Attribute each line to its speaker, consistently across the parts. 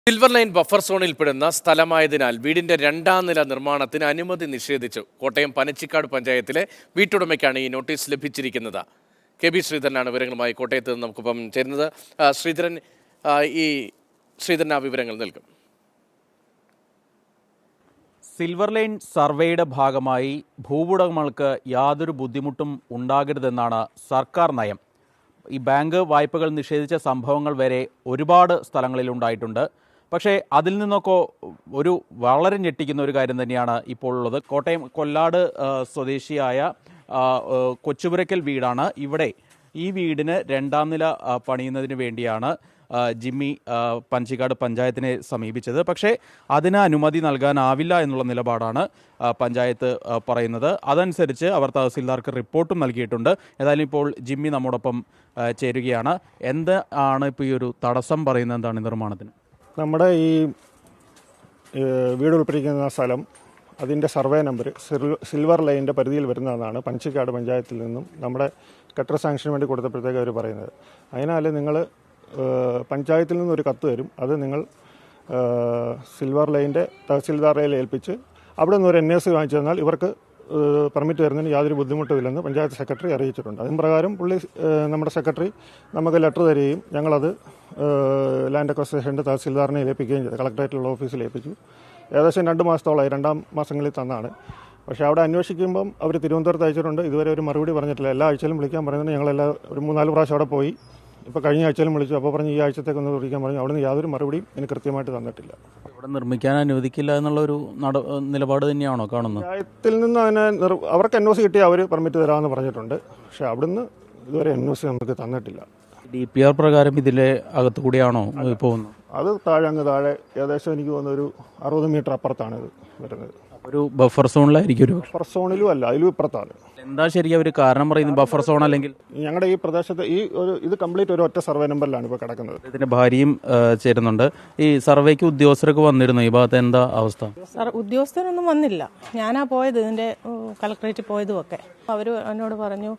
Speaker 1: Silver line buffer സോണിൽപ്പെടുന്ന സ്ഥലമായതിനാൽ വീടിന്റെ രണ്ടാം നില നിർമ്മാണത്തിന് അനുമതി നിഷേധിച്ചു. കോട്ടയം പനച്ചിക്കാട് പഞ്ചായത്തിലെ വീട്ടുടമയ്ക്കാണ് ഈ നോട്ടീസ് ലഭിച്ചിരിക്കുന്നത്. കെ ബി ശ്രീധരനാണ് വിവരങ്ങളുമായി കോട്ടയത്ത് നിന്ന് നമുക്കിപ്പം ചേരുന്നത്. ശ്രീധരൻ ആ വിവരങ്ങൾ നൽകും.
Speaker 2: സിൽവർ ലൈൻ സർവേയുടെ ഭാഗമായി ഭൂവുടമകൾക്ക് യാതൊരു ബുദ്ധിമുട്ടും ഉണ്ടാകരുതെന്നാണ് സർക്കാർ നയം. ഈ ബാങ്ക് വായ്പകൾ നിഷേധിച്ച സംഭവങ്ങൾ വരെ ഒരുപാട് സ്ഥലങ്ങളിൽ ഉണ്ടായിട്ടുണ്ട്. പക്ഷേ അതിൽ നിന്നൊക്കെ ഒരു വളരെ ഞെട്ടിക്കുന്ന ഒരു കാര്യം തന്നെയാണ് ഇപ്പോൾ ഉള്ളത്. കോട്ടയം കൊല്ലാട് സ്വദേശിയായ കൊച്ചുപുരയ്ക്കൽ വീടാണ്. ഇവിടെ ഈ വീടിന് രണ്ടാം നില പണിയുന്നതിന് വേണ്ടിയാണ് ജിമ്മി പനച്ചിക്കാട് പഞ്ചായത്തിനെ സമീപിച്ചത്. പക്ഷേ അതിന് അനുമതി നൽകാനാവില്ല എന്നുള്ള നിലപാടാണ് പഞ്ചായത്ത് പറയുന്നത്. അതനുസരിച്ച് അവർ തഹസിൽദാർക്ക് റിപ്പോർട്ടും നൽകിയിട്ടുണ്ട്. ഏതായാലും ഇപ്പോൾ ജിമ്മി നമ്മോടൊപ്പം ചേരുകയാണ്. എന്താണ് ഇപ്പോൾ ഈ ഒരു തടസ്സം പറയുന്നത്? എന്താണ് നിർമ്മാണത്തിന്?
Speaker 3: നമ്മുടെ ഈ വീട് ഉൾപ്പെട്ടിരിക്കുന്ന സ്ഥലം, അതിൻ്റെ സർവേ നമ്പർ സിൽവർ ലൈനിൻ്റെ പരിധിയിൽ വരുന്നതെന്നാണ് പനച്ചിക്കാട് പഞ്ചായത്തിൽ നിന്നും നമ്മുടെ കെട്ടർ സാങ്ഷന് വേണ്ടി കൊടുത്തപ്പോഴത്തേക്ക് അവർ പറയുന്നത്. അതിനാൽ നിങ്ങൾ പഞ്ചായത്തിൽ നിന്നൊരു കത്ത് തരും. അത് നിങ്ങൾ സിൽവർ ലൈനിൻ്റെ തഹസിൽദാറെ ഏൽപ്പിച്ച് അവിടെ നിന്ന് ഒരു NAC വാങ്ങിച്ചു തന്നാൽ ഇവർക്ക് പെർമിറ്റ് തരുന്നതിന് യാതൊരു ബുദ്ധിമുട്ടുമില്ലെന്ന് പഞ്ചായത്ത് സെക്രട്ടറി അറിയിച്ചിട്ടുണ്ട്. അതിന് പ്രകാരം നമ്മുടെ സെക്രട്ടറി നമുക്ക് ലെറ്റർ തരികയും ഞങ്ങളത് ലാൻഡ് അക്വസിഷൻ്റെ തഹസിൽദാറിനെ ഏൽപ്പിക്കുകയും ചെയ്തു. കളക്ടറേറ്റിലുള്ള ഓഫീസിൽ ഏൽപ്പിച്ചു. ഏകദേശം 2 മാസത്തോളമായി, 2 മാസങ്ങളിൽ തന്നാണ്. പക്ഷേ അവിടെ അന്വേഷിക്കുമ്പം അവർ തിരുവനന്തപുരത്ത് അയച്ചിട്ടുണ്ട്. ഇതുവരെ ഒരു മറുപടി പറഞ്ഞിട്ടില്ല. എല്ലാ ആഴ്ചയിലും വിളിക്കാൻ പറയുന്നത്. ഒരു 3-4 പ്രാവശ്യം അവിടെ പോയി. ഇപ്പോൾ കഴിഞ്ഞ ആഴ്ചയിലും വിളിച്ചു. അപ്പോൾ പറഞ്ഞ് ഈ ആഴ്ചത്തേക്കൊന്ന് വിളിക്കാൻ പറഞ്ഞു. അവിടെ നിന്ന് യാതൊരു മറുപടിയും എനിക്ക് കൃത്യമായിട്ട് തന്നിട്ടില്ല.
Speaker 2: ഇവിടെ നിർമ്മിക്കാൻ അനുവദിക്കില്ല എന്നുള്ളൊരു നിലപാട് തന്നെയാണോ കാണുന്നത്?
Speaker 3: പഞ്ചായത്തിൽ നിന്ന് അതിനെ അവർക്ക് NOC കിട്ടിയാൽ അവർ പെർമിറ്റ് തരാമെന്ന് പറഞ്ഞിട്ടുണ്ട്. പക്ഷേ അവിടുന്ന് ഇതുവരെ NOC നമുക്ക് തന്നിട്ടില്ല.
Speaker 2: DPR പ്രകാരം ഇതിലെ അകത്തു കൂടിയാണോ പോകുന്നത്?
Speaker 3: അത് അങ്ങ് താഴെ ഏകദേശം എനിക്ക് തോന്നുന്ന ഒരു 60 മീറ്റർ അപ്പുറത്താണ് ഇത് വരുന്നത്.
Speaker 2: ഒരു ബഫർ സോണിലായിരിക്കും. ഒരു
Speaker 3: ബഫർ സോണിലും അല്ല, അതിലും ഇപ്പുറത്താണ്.
Speaker 2: എന്താ ശരിക്കും ഒരു കാരണം പറയുന്നത്? ബഫർ സോൺ അല്ലെങ്കിൽ
Speaker 3: ഞങ്ങളുടെ ഈ പ്രദേശത്ത് ഇത് കംപ്ലീറ്റ് ഒരു ഒറ്റ സർവേ നമ്പറിലാണ് ഇപ്പോൾ കിടക്കുന്നത്.
Speaker 2: ഇതിന്റെ ഭാര്യയും ചേരുന്നുണ്ട്. ഈ സർവേക്ക് ഉദ്യോഗസ്ഥരൊക്കെ വന്നിരുന്നു. ഈ ഭാഗത്ത് എന്താ അവസ്ഥ?
Speaker 4: ഉദ്യോഗസ്ഥരൊന്നും വന്നില്ല. ഞാനാ പോയത്, ഇതിന്റെ കളക്ടറേറ്റിൽ പോയതും ഒക്കെ. അവർ എന്നോട് പറഞ്ഞു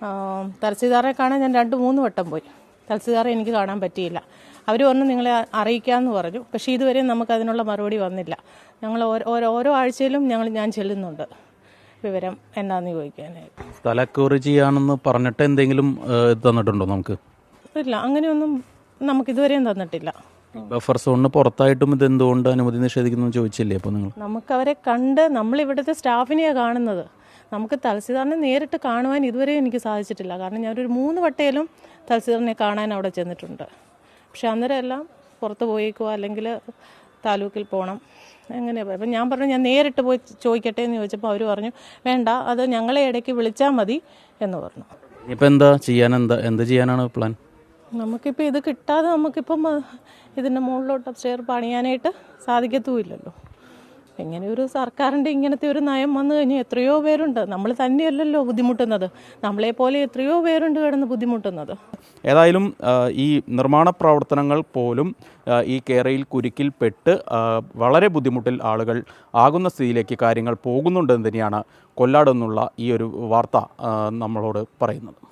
Speaker 4: തഹസിൽദാറെ കാണാൻ ഞാൻ 2-3 വട്ടം പോയി. തഹസിൽദാറെ എനിക്ക് കാണാൻ പറ്റിയില്ല. അവർ പറഞ്ഞു നിങ്ങളെ അറിയിക്കാമെന്ന് പറഞ്ഞു. പക്ഷേ ഇതുവരെ നമുക്ക് അതിനുള്ള മറുപടി വന്നില്ല. ഞങ്ങൾ ഓരോ ആഴ്ചയിലും ഞാൻ ചെല്ലുന്നുണ്ട് വിവരം എന്നാന്ന് ചോദിക്കാനായിട്ട്.
Speaker 2: സ്ഥല അക്വയർ ചെയ്യാണെന്ന് പറഞ്ഞിട്ട് എന്തെങ്കിലും തന്നിട്ടുണ്ടോ നമുക്ക്?
Speaker 4: ഇല്ല, അങ്ങനെയൊന്നും നമുക്ക് ഇതുവരെയും തന്നിട്ടില്ല.
Speaker 2: ബഫർ സോണിന് പുറത്തായിട്ടും ഇത് എന്തുകൊണ്ട് അനുമതി നിഷേധിക്കുന്നു ചോദിച്ചില്ലേ? അപ്പോൾ നിങ്ങൾ
Speaker 4: നമുക്ക് അവരെ കണ്ട്, നമ്മൾ ഇവിടുത്തെ സ്റ്റാഫിനെയാണ് കാണുന്നത്. നമുക്ക് തഹസിൽദാറിനെ നേരിട്ട് കാണുവാൻ ഇതുവരെ എനിക്ക് സാധിച്ചിട്ടില്ല. കാരണം ഞാനൊരു 3 വട്ടയിലും തഹസിൽദാറിനെ കാണാൻ അവിടെ ചെന്നിട്ടുണ്ട്. പക്ഷെ അന്നേരം എല്ലാം പുറത്ത് പോയേക്കുക, അല്ലെങ്കിൽ താലൂക്കിൽ പോകണം, എങ്ങനെ. അപ്പം ഞാൻ പറഞ്ഞു ഞാൻ നേരിട്ട് പോയി ചോദിക്കട്ടെ എന്ന് ചോദിച്ചപ്പോൾ അവർ പറഞ്ഞു വേണ്ട, അത് ഞങ്ങളെ ഇടയ്ക്ക് വിളിച്ചാൽ മതി എന്ന് പറഞ്ഞു.
Speaker 2: ഇപ്പം എന്ത് ചെയ്യാനാണ് പ്ലാൻ?
Speaker 4: നമുക്കിപ്പോൾ ഇത് കിട്ടാതെ നമുക്കിപ്പം ഇതിൻ്റെ മുകളിലോട്ട് സ്റ്റെയർ പണിയാനായിട്ട് സാധിക്കത്തുമില്ലല്ലോ. ഇങ്ങനെ ഒരു സർക്കാരിൻ്റെ ഇങ്ങനത്തെ ഒരു നയം വന്നു കഴിഞ്ഞാൽ എത്രയോ പേരുണ്ട്. നമ്മൾ തന്നെയല്ലല്ലോ ബുദ്ധിമുട്ടുന്നത്, നമ്മളെപ്പോലെ എത്രയോ പേരുണ്ട് കിടന്ന് ബുദ്ധിമുട്ടുന്നത്.
Speaker 2: ഏതായാലും ഈ നിർമ്മാണ പ്രവർത്തനങ്ങൾ പോലും ഈ കേരയിൽ കുരുക്കിൽപ്പെട്ട് വളരെ ബുദ്ധിമുട്ടിൽ ആളുകൾ ആകുന്ന സ്ഥിതിയിലേക്ക് കാര്യങ്ങൾ പോകുന്നുണ്ടെന്ന് തന്നെയാണ് കൊല്ലാട് നിന്നുള്ള ഈ ഒരു വാർത്ത നമ്മളോട് പറയുന്നത്.